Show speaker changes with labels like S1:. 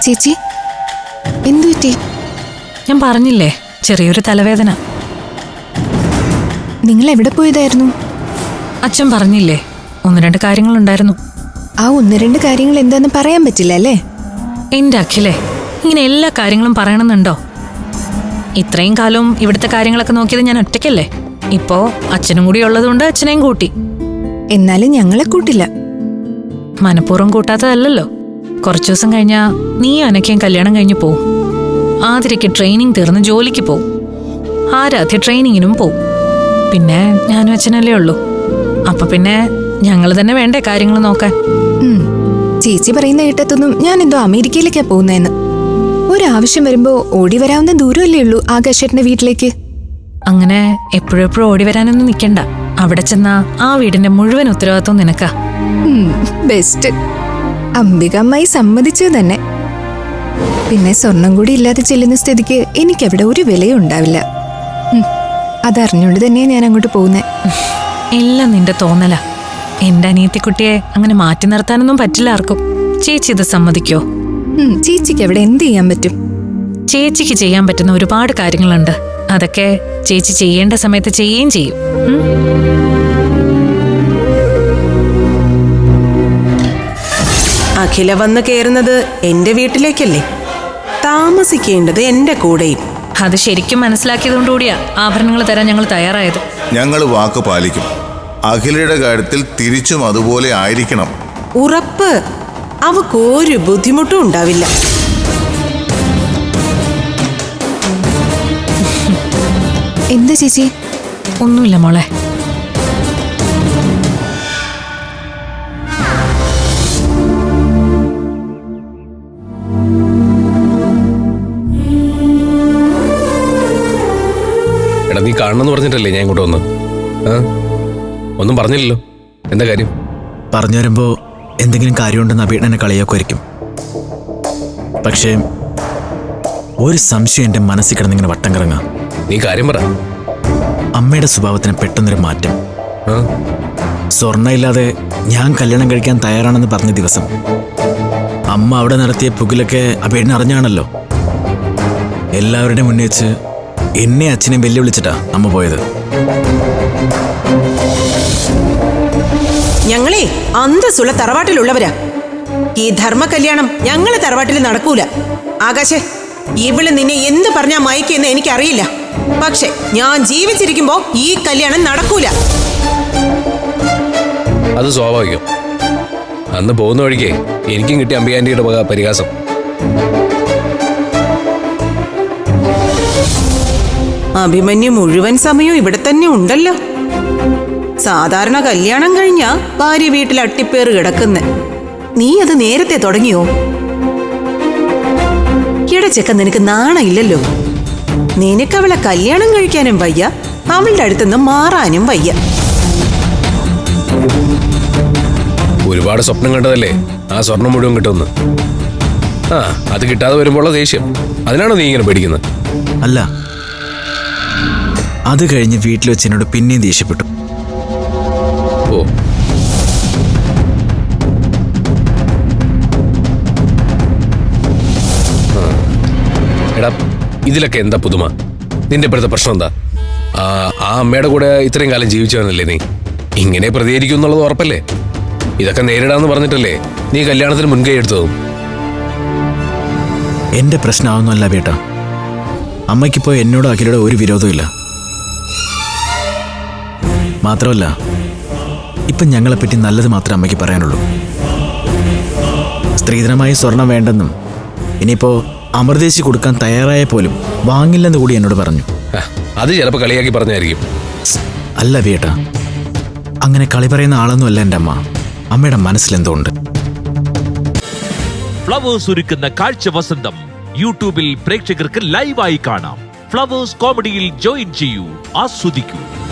S1: ചേച്ചി എന്തു പറ്റി?
S2: ഞാൻ പറഞ്ഞില്ലേ, ചെറിയൊരു തലവേദന.
S1: നിങ്ങൾ എവിടെ പോയതായിരുന്നു?
S2: അച്ഛൻ പറഞ്ഞില്ലേ, 1-2 കാര്യങ്ങളുണ്ടായിരുന്നു.
S1: ആ 1-2 കാര്യങ്ങൾ എന്താന്ന് പറയാൻ പറ്റില്ല അല്ലേ?
S2: എന്റെ അഖിലേ, ഇങ്ങനെ എല്ലാ കാര്യങ്ങളും പറയണമെന്നുണ്ടോ? ഇത്രയും കാലവും ഇവിടുത്തെ കാര്യങ്ങളൊക്കെ നോക്കിയത് ഞാൻ ഒറ്റയ്ക്കല്ലേ. ഇപ്പോ അച്ഛനും കൂടി ഉള്ളതുകൊണ്ട് അച്ഛനെയും കൂട്ടി.
S1: എന്നാലും ഞങ്ങളെ കൂട്ടില്ല.
S2: മനഃപൂർവ്വം കൂട്ടാത്തതല്ലോ. കുറച്ചു ദിവസം കഴിഞ്ഞാ നീയും അനക്കയും കല്യാണം കഴിഞ്ഞു പോവും. ആതിരയ്ക്ക് ട്രെയിനിങ് തീർന്ന് ജോലിക്ക് പോവും. ആരാധ്യ ട്രെയിനിങ്ങിനും പോവും. പിന്നെ ഞാനും അച്ഛനല്ലേ ഉള്ളൂ. അപ്പൊ പിന്നെ ഞങ്ങൾ തന്നെ വേണ്ടേ കാര്യങ്ങൾ നോക്കാൻ?
S1: ചേച്ചി പറയുന്ന കേട്ടതൊന്നും ഞാൻ എന്തോ അമേരിക്കയിലേക്കാ പോകുന്നതെന്ന്. ഒരാവശ്യം വരുമ്പോ ഓടി വരാവുന്ന ദൂരമല്ലേ ഉള്ളൂ ആകാശേട്ടന്റെ വീട്ടിലേക്ക്.
S2: അങ്ങനെ എപ്പോഴെപ്പോഴും ഓടി വരാനൊന്നും നിൽക്കണ്ട. അവിടെ ചെന്നാ ആ വീടിന്റെ മുഴുവൻ ഉത്തരവാദിത്വം നിനക്കാ.
S1: ബെസ്റ്റ്. അംബികമ്മായി സമ്മതിച്ചു തന്നെ. പിന്നെ സ്വർണം കൂടി ഇല്ലാതെ ചെല്ലുന്ന സ്ഥിതിക്ക് എനിക്കവിടെ ഒരു വിലയും ഉണ്ടാവില്ല. അതറിഞ്ഞുകൊണ്ട് തന്നെയാ ഞാൻ അങ്ങോട്ട് പോകുന്നേ.
S2: എല്ലാം നിന്റെ തോന്നലാ. എന്റെ അനിയത്തിക്കുട്ടിയെ അങ്ങനെ മാറ്റി നിർത്താനൊന്നും പറ്റില്ല ആർക്കും. ചേച്ചി ഇത് സമ്മതിക്കോ?
S1: ചേച്ചിക്ക് അവിടെ എന്ത് ചെയ്യാൻ പറ്റും?
S2: ചേച്ചിക്ക് ചെയ്യാൻ പറ്റുന്ന ഒരുപാട് കാര്യങ്ങളുണ്ട്. അതൊക്കെ ചേച്ചി ചെയ്യേണ്ട സമയത്ത് ചെയ്യുകയും ചെയ്യും.
S3: അഖില വന്ന് കയറുന്നത് എന്റെ വീട്ടിലേക്കല്ലേ, താമസിക്കേണ്ടത് എന്റെ കൂടെയും.
S2: അത് ശരിക്കും മനസ്സിലാക്കിയതുകൊണ്ടുകൂടിയാ ആഭരണങ്ങൾ തരാൻ ഞങ്ങൾ തയ്യാറായത്.
S4: ഞങ്ങൾ വാക്ക് പാലിക്കും. അഖിലയുടെ കാര്യത്തിൽ തിരിച്ചും അതുപോലെ ആയിരിക്കണം.
S3: ഉറപ്പ്. അവക്കൊരു ബുദ്ധിമുട്ടും ഉണ്ടാവില്ല.
S1: എന്താ ചേച്ചി?
S2: ഒന്നുമില്ല മോളെ.
S5: എടാ, നീ കാണണമെന്ന് പറഞ്ഞിട്ടല്ലേ ഞാൻ ഇങ്ങോട്ട് വന്ന്? ഒന്നും പറഞ്ഞില്ലല്ലോ. എന്താ കാര്യം?
S6: പറഞ്ഞു വരുമ്പോ എന്തെങ്കിലും കാര്യമുണ്ടെന്ന് അഭിണ്ണനെ കളിയാക്കുമായിരിക്കും. പക്ഷേ ഒരു സംശയം എൻ്റെ മനസ്സിൽ കിടന്നിങ്ങനെ വട്ടം കറങ്ങാം.
S5: നീ കാര്യം പറ.
S6: അമ്മയുടെ സ്വഭാവത്തിന് പെട്ടെന്നൊരു മാറ്റം. സ്വർണ്ണ ഇല്ലാതെ ഞാൻ കല്യാണം കഴിക്കാൻ തയ്യാറാണെന്ന് പറഞ്ഞ ദിവസം അമ്മ അവിടെ നടത്തിയ പുകിലൊക്കെ അഭിണ്ണ അറിഞ്ഞാണല്ലോ. എല്ലാവരുടെയും മുന്നേ വെച്ച് എന്നെ അച്ഛനെ വെല്ലുവിളിച്ചിട്ടാ അമ്മ പോയത്.
S3: ഞങ്ങളെ അന്തസ്സുള്ള തറവാട്ടിലുള്ളവരാ. ഈ ധർമ്മ കല്യാണം ഞങ്ങളെ തറവാട്ടിൽ നടക്കൂല. ആകാശേ, ഇവള് നിന്നെ എന്ത് പറഞ്ഞാ മയക്കെന്ന് എനിക്കറിയില്ല. പക്ഷെ ഞാൻ ജീവിച്ചിരിക്കുമ്പോ ഈ കല്യാണം നടക്കൂല.
S5: അത് സ്വാഭാവികം. അന്ന് പോകുന്ന വഴിക്ക് എനിക്കും കിട്ടിയ അമ്പിയാൻ്റിയുടെ പരിഹാസം.
S3: അഭിമന്യു മുഴുവൻ സമയവും ഇവിടെ തന്നെ ഉണ്ടല്ലോ. സാധാരണ കല്യാണം കഴിഞ്ഞാ ഭാര്യ വീട്ടിൽ അട്ടിപ്പേറ് കിടക്കുന്നെ. നീ അത് നേരത്തെ തുടങ്ങിയോ? ഇടച്ചക്ക നിനക്ക് നാണയില്ലല്ലോ. നിനക്ക് അവളെ കല്യാണം കഴിക്കാനും വയ്യ, അവളുടെ അടുത്തുനിന്ന് മാറാനും വയ്യ.
S5: ഒരുപാട് സ്വപ്നം കണ്ടതല്ലേ ആ സ്വർണം മുഴുവൻ കിട്ടുമെന്ന്. അത് കിട്ടാതെ വരുമ്പോഴുള്ള ദേഷ്യം, അതിനാണോ നീ ഇങ്ങനെ പേടിക്കുന്നത്?
S6: അല്ല, അത് കഴിഞ്ഞ് വീട്ടിൽ വെച്ച് എന്നോട് പിന്നെയും ദേഷ്യപ്പെട്ടു.
S5: ഓ, എടാ, ഇതിലൊക്കെ എന്താ പുതുമ? നിന്റെ ഇപ്പോഴത്തെ പ്രശ്നം എന്താ? ആ അമ്മയുടെ കൂടെ ഇത്രയും കാലം ജീവിച്ചവനല്ലേ നീ? ഇങ്ങനെ പ്രതികരിക്കും എന്നുള്ളത് ഉറപ്പല്ലേ? ഇതൊക്കെ നേരിടാന്ന് പറഞ്ഞിട്ടല്ലേ നീ കല്യാണത്തിന് മുൻകൈ എടുത്തതും?
S6: എന്റെ പ്രശ്നമാവുന്നല്ല ബേട്ടാ. അമ്മയ്ക്കിപ്പോ എന്നോട് അഖിലയുടെ ഒരു വിരോധവും ഇല്ല. മാത്രമല്ല, ഇപ്പം ഞങ്ങളെപ്പറ്റി നല്ലത് മാത്രമേ അമ്മയ്ക്ക് പറയാനുള്ളൂ. സ്ത്രീധനമായി സ്വർണം വേണ്ടെന്നും ഇനിയിപ്പോ അമൃതേശി കൊടുക്കാൻ തയ്യാറായ പോലും വാങ്ങില്ലെന്ന് കൂടി എന്നോട് പറഞ്ഞു.
S5: അത് ചിലപ്പോൾ കളിയാക്കി പറഞ്ഞായിരിക്കും.
S6: അല്ല ബേട്ടാ, അങ്ങനെ കളി പറയുന്ന ആളൊന്നും അല്ല എൻ്റെ അമ്മ. അമ്മയുടെ മനസ്സിലെന്തോ ഉണ്ട്.
S7: ഫ്ലവേഴ്സ് ഒരുക്കുന്ന കാഴ്ച വസന്തം യൂട്യൂബിൽ പ്രേക്ഷകർക്ക് ലൈവായി കാണാം. ഫ്ലവേഴ്സ് കോമഡിയിൽ ജോയിൻ ചെയ്യൂ, ആസ്വദിക്കൂ.